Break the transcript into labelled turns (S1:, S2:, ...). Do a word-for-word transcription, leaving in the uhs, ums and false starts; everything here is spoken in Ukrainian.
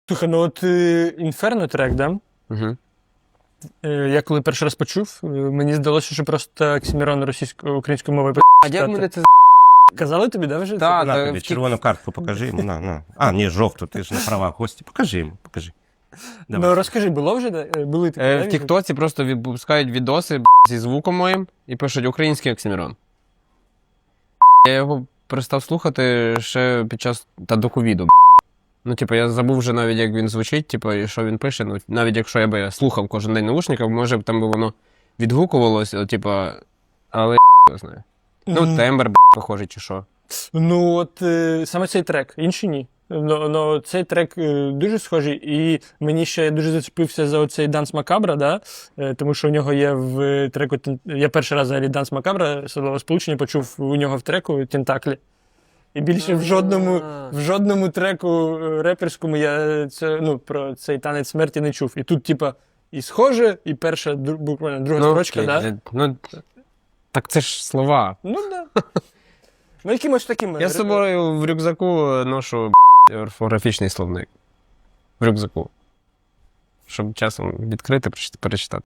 S1: Слухай, ну от Інферно трек, да?
S2: Угу.
S1: Е, Я коли перший раз почув, е, мені здалося, що просто Оксимірон російською українською мовою
S2: А як мене це
S1: казали тобі, да, вже?
S2: Та,
S1: це?
S2: та,
S3: На тобі,
S2: в тік-
S3: червону картку покажи йому, на, на. А, ні, жовту, ти ж на правах гості. Покажи йому, покажи. Давай.
S1: Ну розкажи, було вже? да? Е, Були такі,
S2: Е,
S1: да,
S2: в Тіктоці просто випускають відоси б**, зі звуком моїм і пишуть український Оксимірон. Я його перестав слухати ще під час та до ковіду. б**. Ну, типу, я забув вже навіть, як він звучить, типу, і що він пише. Ну, навіть якщо я би слухав кожен день наушників, може б там би воно відгукувалося, типу, але я не знаю. Ну,
S1: Мгм.
S2: тембр, б**, похожий чи що.
S1: Ну от е, саме цей трек, інші ні. Ну, ну цей трек е, дуже схожий, і мені ще дуже зачепився за оцей Данс Макабра, да? Е, тому що у нього є в треку. «Тен- Я перший раз взагалі Данс Макабра, словосполучення, почув у нього в треку Тентаклі. І більше в жодному, в жодному треку е, реперському я це, ну, про цей танець смерті не чув. І тут, типа, і схоже, і перша, дру- буквально друга
S2: Ну,
S1: строчка,
S2: окей,
S1: да?
S2: е, ну, так це ж слова.
S1: Ну, да. Ну, якимось таким.
S2: Я з собою в рюкзаку ношу б**, орфографічний словник. В рюкзаку. Щоб часом відкрити, перечитати.